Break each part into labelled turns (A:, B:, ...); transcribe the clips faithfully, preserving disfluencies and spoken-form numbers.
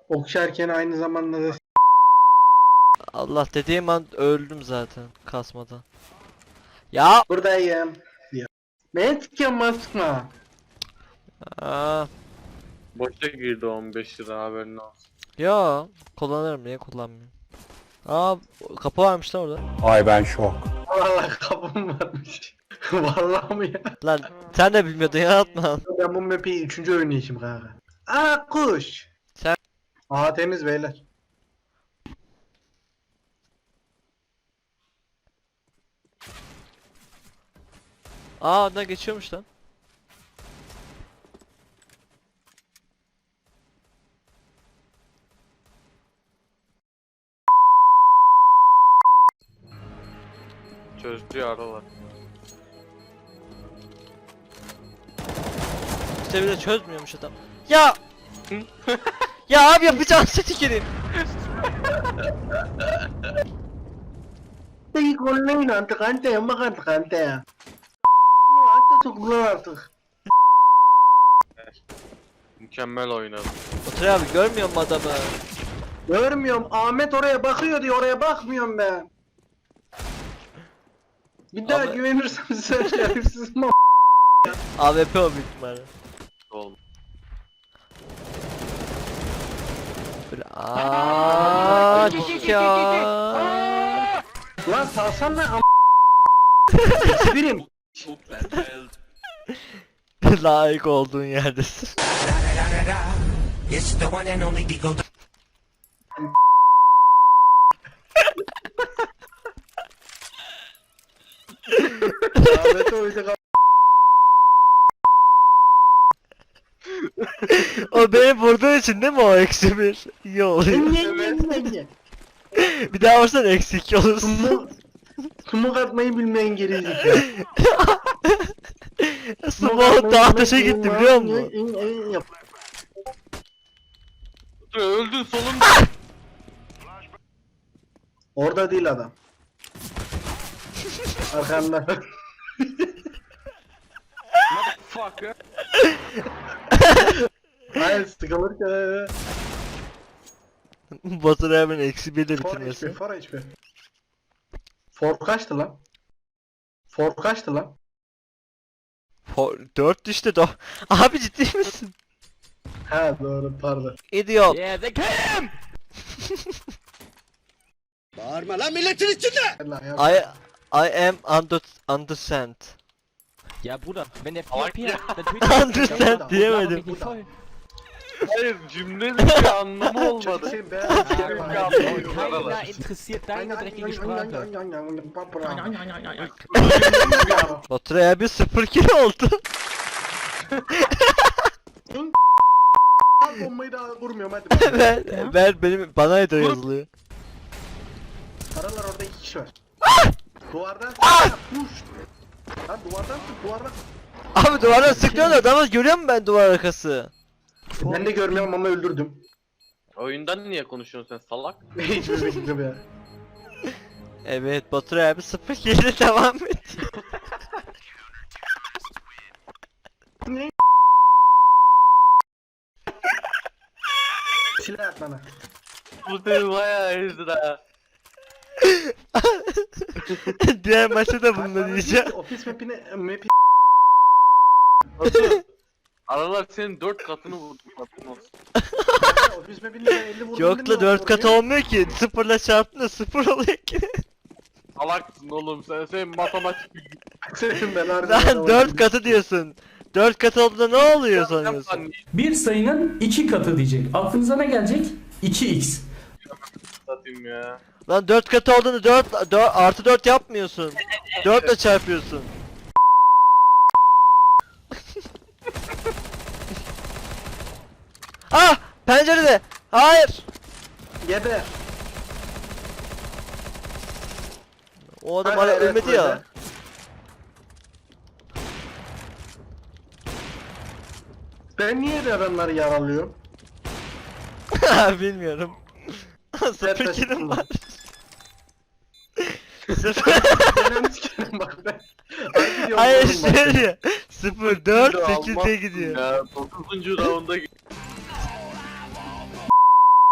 A: Okşarken aynı zamanda da
B: Allah dediğim an öldüm zaten kasmadan. Ya.
A: buradayım diyor. Ben sıkıyorum sıkma.
B: Aa.
C: Boşa girdi on beş lira haberin olsun.
B: Ya kullanırım, niye kullanmıyorum? Aa, kapı varmış lan orada.
D: Ay ben şok.
A: Vallahi kapım varmış. Vallahi mı ya?
B: Lan sen de bilmiyordun ya, atma.
A: Ben bu map'i üçüncü oynayışım kanka. Aa kuş.
B: Sen-
A: Aa temiz beyler.
B: Aa, oradan geçiyormuş lan.
C: Çözdü aralar.
B: İşte bir de çözmüyormuş adam. Ya. Ya abi yapacağım seti gireyim.
A: Peki konuyla yine artık ante ya bak artık ante ya. Hatta çok artık.
C: Mükemmel oynadı.
B: Otur abi, görmüyor musun adamı?
A: Görmüyorum. Ahmet oraya bakıyor diye oraya bakmıyorum ben. Bir daha
B: Ama-
A: güvenirsem size şerefsiz mi?
B: A W P o büyük ihtimalle.
C: Oğlum.
B: Böyle aaa ya.
A: Lan salsana am... Birim.
B: Layık olduğun yerdesin.
E: It's the one and only Digo.
A: Ahmet oydu.
B: O beni vurduğu için değil mi o eksi bir? İyi oluyor. Bir daha vursan eksi iki olursun.
A: Sumuk, sumuk atmayı bilmeyen gerizekalı.
B: Smoke daha taşa gitti biliyor musun?
C: Öldün solunda.
A: Orada değil adam. Arkanda.
C: Fuck.
A: Hayır sıkılırken.
B: Batur hemen eksi bir de
A: For H P,
B: bitirmesi.
A: for H P. For kaçtı lan? For kaçtı lan?
B: dört düştü de. Abi ciddi misin?
A: Ha doğru pardon.
B: Idiot.
A: Lan ya.
B: I I am under understand.
F: Ja, Bruder, wenn der
C: Aber
F: vier
C: ja.
F: dann tötet
B: Understand diyemedim.
F: mich nicht voll.
C: Hayır cümlenin bir anlamı olmadı.
A: Sen be.
F: Keiner interessiert deine dreckige Sprache.
B: Batur'a bir sıfır kill oldu.
A: Bombayı daha vurmuyorum hadi.
B: ver, ver benim bana da yazılıyor.
A: Paralar orada iki kişi var. Duvardan push. Lan duvardan tut duvardan.
B: Abi duvardan sıkıyorlar adamı, görüyor musun ben duvar arkası?
A: Ben de görmüyorum ama öldürdüm.
C: Oyundan niye konuşuyorsun sen salak?
A: Hiçbir fikrim ya.
B: Evet, Batur abi sıfır kill devam et.
A: Silah at bana.
C: Bu seni bayağı ezdi ha.
B: Diğer maçta da bunu diyeceğim.
A: Ofis mapine map
C: Nasıl? Aralar senin dört katını vurdu. Katın olsun.
A: ofis mapinde ben elli vurdum.
B: Yok la, dört kat olmuyor ki. Sıfırla çarptın da sıfır oluyor ki.
C: Salaksın oğlum sen, sen matematik bilgi.
A: Senin ben harbiden
B: Lan dört katı diyorsun. dört katı olduğunda ne oluyor sanıyorsun?
G: Bir sayının iki katı diyecek. Aklınıza ne gelecek? iki x.
C: Satayım ya.
B: Lan dört katı olduğunda dört, dört artı dört yapmıyorsun. dört ile çarpıyorsun. Ah! Pencerede! Hayır!
A: Geber.
B: O adam
A: Hayır,
B: hala
A: evet,
B: ölmedi
A: böyle.
B: ya.
A: Ben niye de adamları yaralıyorum?
B: Bilmiyorum. Sıfır
A: Nerede
B: kilim
A: sıkıldı?
B: var. Sıfır.
A: Önemli sikerim bak ben. Harbi diyorum
B: Hayır
A: oğlum bak.
B: şöyle. sıfır dört
C: Almazsın
B: sekize gidiyor.
C: Ya dokuzuncu raunda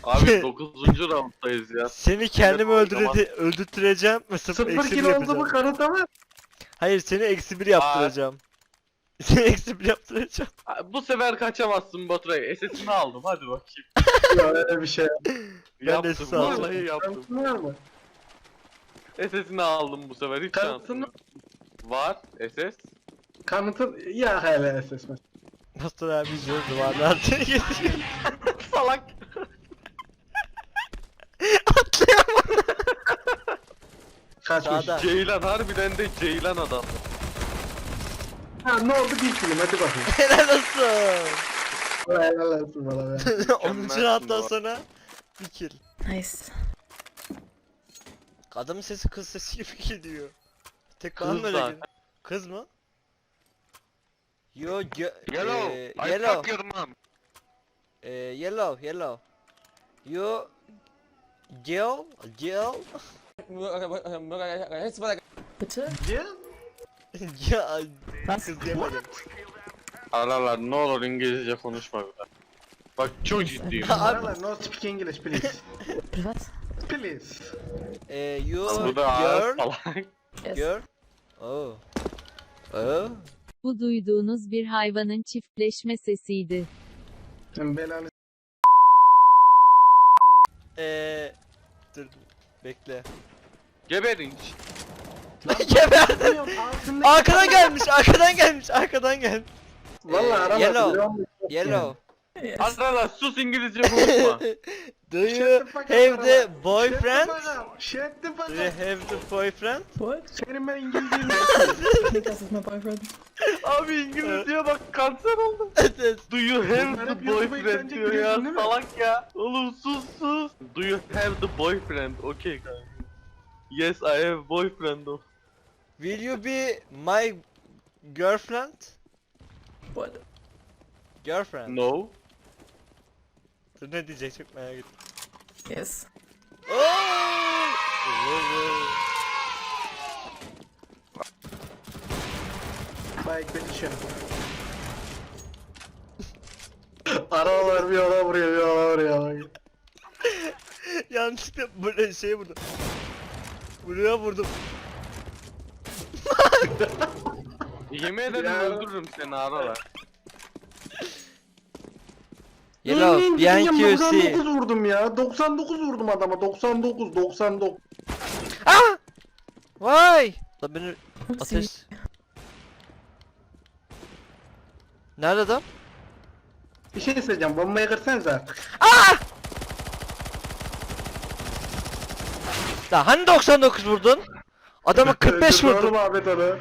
C: Abi dokuzuncu rounddayız ya.
B: Seni kendimi
C: Evet,
B: öldürede öldürtüreceğim ve sıfır
A: Sıfır
B: eksi bir
A: kill oldu
B: yapacağım.
A: mu kanıtlama?
B: Hayır seni eksi bir yaptıracağım. Seni eksi bir yaptıracağım.
C: Bu sefer kaçamazsın Baturay. S S'ini aldım hadi bakayım.
A: Ya öyle bir şey.
B: Ben de
C: Yaptım
B: sağ ol.
C: vallahi yaptım.
A: Kanıtın var mı?
C: S S'ini aldım bu sefer hiç
A: Kanıtın
C: şansım yok. Var S S.
A: Kanıtın ya hele S S.
B: Pastor abi izliyor duvarlar seni getiriyor.
C: Salak.
A: Kaçmış.
B: Sağda.
C: Ceylan harbiden de Ceylan adam.
A: Ha ne oldu bir film hadi bakayım.
B: Helal olsun.
A: Helal olsun bana be.
B: onuncu rounddan sonra bir kill.
D: Nice.
B: Adamın sesi kız sesi gibi geliyor. Tek bana
C: Kız
B: mı öyle
C: zaten.
B: geliyor? Kız mı? Yo, yo,
C: Yellow.
B: eee,
C: I
B: yellow,
C: fuck your mom.
B: eee, yellow, yellow. Yo, Jill, Jill,
D: Bitte?
A: Ya.
B: ya,
D: Was?
B: kız diyemedim.
C: Aralar ne olur İngilizce konuşma bir daha. Bak çok ciddiyim.
A: Aralar no speak English please.
D: What?
A: Please.
B: Eee, yo,
C: Bu da ağır
B: girl,
C: salak.
D: Yes.
B: girl. Oh. Oh.
E: Bu duyduğunuz bir hayvanın çiftleşme sesiydi.
A: Sen belanı
B: Eee, dur, bekle.
C: Geberin.
B: Geberdim.
A: Altındaki-
B: Arkadan gelmiş, arkadan gelmiş, arkadan gelmiş.
A: Vallahi
B: Eee,
A: aralar.
B: yellow,
A: biliyor musun?
B: yellow.
D: Yes.
C: Aralar sus İngilizce konuşma.
B: Do you have the boyfriend?
A: Shut the fuck
B: Do you
A: up.
B: have the boyfriend?
D: What?
A: Senin ben İngilizceyim.
D: Niklas is my boyfriend.
C: Abi İngilizceye bak kanser oldum. Do you have
A: Bunlar
C: the
A: hep YouTube'a
C: boyfriend
A: yüklenecek
C: diyor ya
A: biliyorsun değil mi?
C: salak ya. Oğlum sus sus. Do you have the boyfriend? Okay kanka. Yes I have boyfriend of.
B: Will you be my girlfriend?
D: What?
B: Girlfriend.
C: No.
B: Dur ne diyecek çok merak ettim.
D: Yes.
B: Oh!
A: Bye petition. Aralar bir ona vuruyor bir ona vuruyor.
B: Yanlışlıkla böyle şey vurdum. Buraya vurdum.
C: Yemin ederim
A: Ya.
C: öldürürüm seni aralar.
B: Yellow, behind Q
A: doksan
B: C.
A: dokuz vurdum ya. doksan dokuz vurdum adama. doksan dokuz, doksan dokuz.
B: Ah! Vay! La beni
D: Oopsie.
B: ateş. Nerede adam?
A: Bir şey söyleyeceğim. Bombayı kırsanıza.
B: La hani doksan dokuz vurdun? Adama kırk beş
A: Öldürdü
B: vurdun.
A: oğlum Ahmet onu.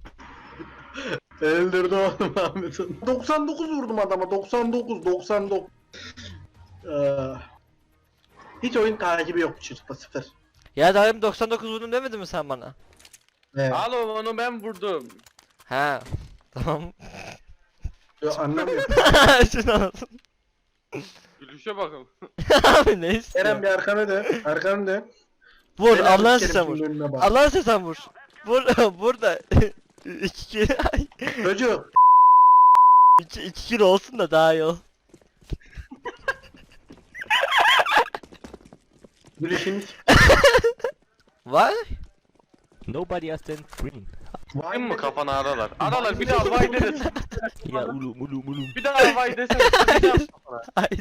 A: Öldürdü oğlum Ahmet onu. doksan dokuz vurdum adama. doksan dokuz, doksan dokuz. Ee, hiç oyun takibi yok bu çocukta sıfır.
B: Ya daha demin doksan dokuz vurdum demedin mi sen bana?
A: Evet.
C: Alo onu ben vurdum.
B: Ha. Tamam.
A: Yo, anlamıyorum.
B: Şunu anlatın.
C: Gülüşe bakın.
B: Abi ne
A: Eren
B: istiyorsun?
A: bir arkana dön. Arkana dön.
B: Vur
A: Helal
B: Allah'ın
A: sikerim
B: sen vur.
A: senin önüne bak.
B: Allah'ın sen vur. Vur burada. iki kilo.
A: Çocuk.
B: iki, iki kilo olsun da daha iyi ol.
A: Gülüşünü s-
B: Vay.
F: Nobody has ten green.
A: Vay
C: Kim mi
A: be.
C: kafana aralar? Aralar bir daha vay desin.
F: Ja, ulum, ulum, ulum.
C: Bir daha vay desene. Sıkacağım kafana.
B: Hayır.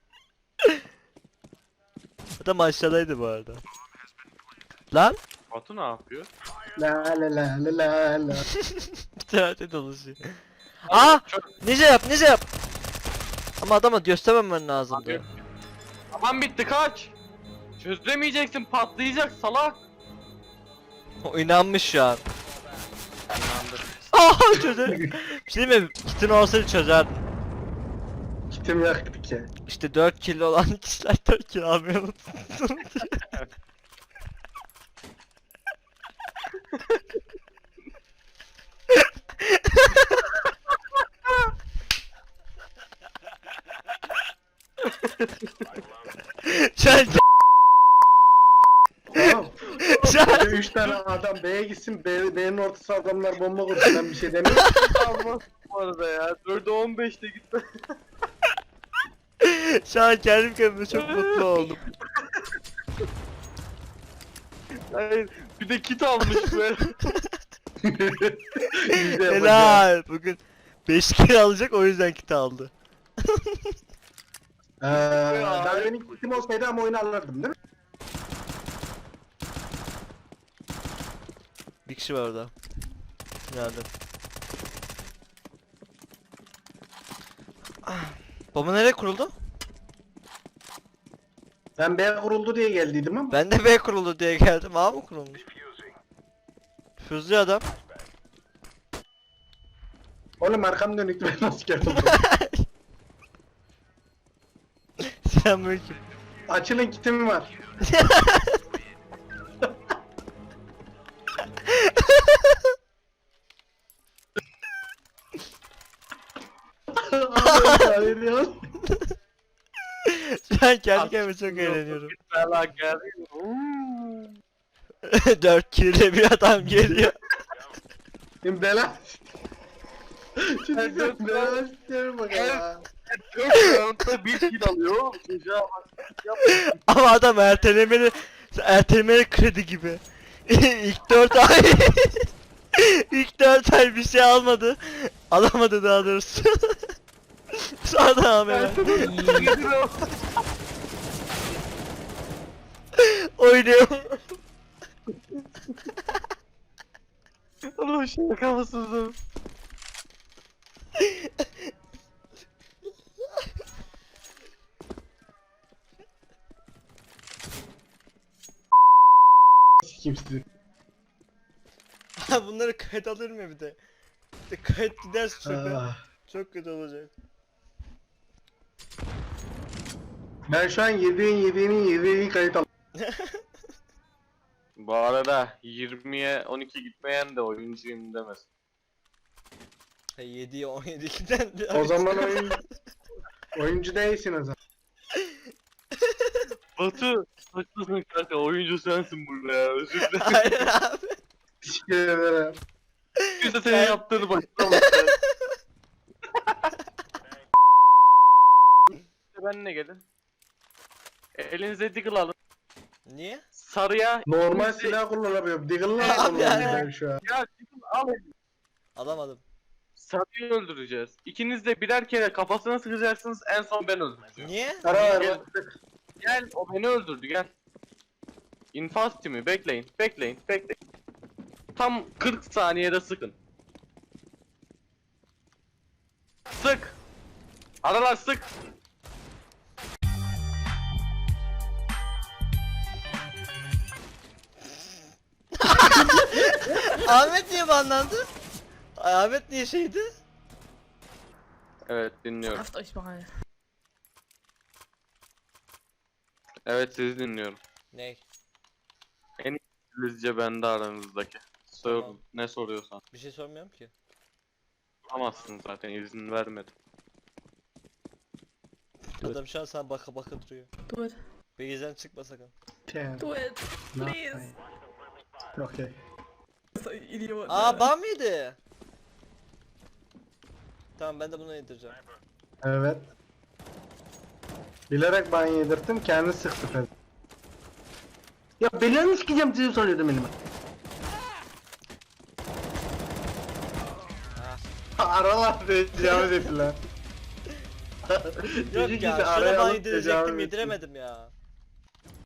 B: Adam aşağıdaydı bu arada. Lan.
C: Batu ne yapıyor?
A: La la la la la la.
B: Bir tarafta dolaşıyor. Aa! Nice yap, nice yap. Ama adama göstermemen lazımdı.
C: Abi. Aman bitti kaç. Çözemeyeceksin patlayacak salak.
B: O inanmış şu an.
C: İnandım.
B: Aa çözer. Bir şey diyeyim mi? Kitin olsaydı çözerdin.
A: Kitim yaktı ki.
B: İşte dört kilo olan kişiler dört kilo almayı unutsun. Şu an
A: Tamam.
B: şu an
A: üç tane adam B'ye gitsin. B, B'nin ortası adamlar bomba kursun. Ben bir şey demiyorum.
C: Almaz bu arada ya. dörde on beşte gitti.
B: Şu an kendim kendime çok mutlu oldum.
C: Hayır, bir de kit almış böyle.
A: Biz de yapacağız.
B: Helal. Bugün beş kere alacak, o yüzden kit aldı.
A: Ee, daha benim kitim olsaydı ama oyunu alırdım değil mi?
B: Bir kişi var orada. Nerede? Ah. Bomba nereye kuruldu?
A: Ben B kuruldu diye geldiydim ama.
B: Ben de B kuruldu diye geldim. A mı kurulmuş? Füzlü adam.
A: Oğlum arkam dönüktü, ben nasıl geldim?
B: Selamünaleyküm.
A: Açılın, kitim var. Hayır ya.
B: Şu an kendi kendime çok eğleniyorum.
C: Bela geldi.
B: Dört kere bir adam geliyor.
A: Bela. Çocuklar bela istiyorum bak ya.
C: Dört roundda bir kill alıyor. Çocuğa bak.
B: Ama adam ertelemeli, ertelemeli kredi gibi. İlk dört ay, ilk dört ay bir şey almadı, alamadı daha doğrusu. Sonra devam hemen. Oynuyor.
C: Oğlum şaka mısınız?
A: Sikeyim sizi.
B: Bunları kayıt alır mı bir de? Bir de kayıt giderse çöpe.
A: Ah.
B: Çok kötü olacak.
A: Ben şu an yediğin yediğinin yediğini kayıt al.
C: Bu arada yirmiye on iki gitmeyen de oyuncuyum demez.
B: yediye on yedi'den
A: O zaman oyun... oyuncu değilsin o zaman.
C: Batu, haklısın kanka, oyuncu sensin burada ya, özür dilerim.
B: Aynen abi.
A: Teşekkür ederim.
C: Biz de senin yaptığını başlamadık. Benimle gelin. Elinize deagle alın.
B: Niye?
C: Sarıya
A: Normal
C: ikiniz de-
A: silah kullanamıyorum. Deagle'la
B: Abi
A: kullanıyorum
B: yani.
A: ben şu an.
C: Ya deagle al.
B: Alamadım.
C: Sarıyı öldüreceğiz. İkiniz de birer kere kafasına sıkacaksınız, en son ben öldüreceğim.
B: Niye?
A: Ara ver
C: Gel.
A: bak.
C: Gel, o beni öldürdü, gel. İnfaz timi, bekleyin, bekleyin, bekleyin. Tam kırk saniyede sıkın. Sık! Aralar sık!
B: Ahmet niye banlandı? Ay, Ahmet niye şeydi?
C: Evet, dinliyorum.
D: Haft euch mal.
C: Evet, sizi dinliyorum.
B: Ne?
C: İngilizce bende aranızdaki. Sor,
B: Tamam.
C: ne soruyorsan.
B: Bir şey sormuyorum ki.
C: Soramazsın zaten, izin vermedim.
B: Adam şu an sana baka baka duruyor.
D: Do it.
B: Beyizden çıkma sakın.
A: Ten.
D: Do it. Please.
A: Okey.
D: So idiot.
B: Aa ban mıydı? Tamam, ben de bunu yedireceğim.
A: Evet. Bilerek ban yedirttim, kendi sıktı fena. Ya belanı sikeceğim sizi sanıyordum elime. Aralar tecavüz ettiler.
B: Yok
A: Çocuk
B: ya,
A: bizi
B: şuna
A: araya
B: ban
A: alıp
B: yedirecektim,
A: tecavüz etti.
B: yediremedim ya.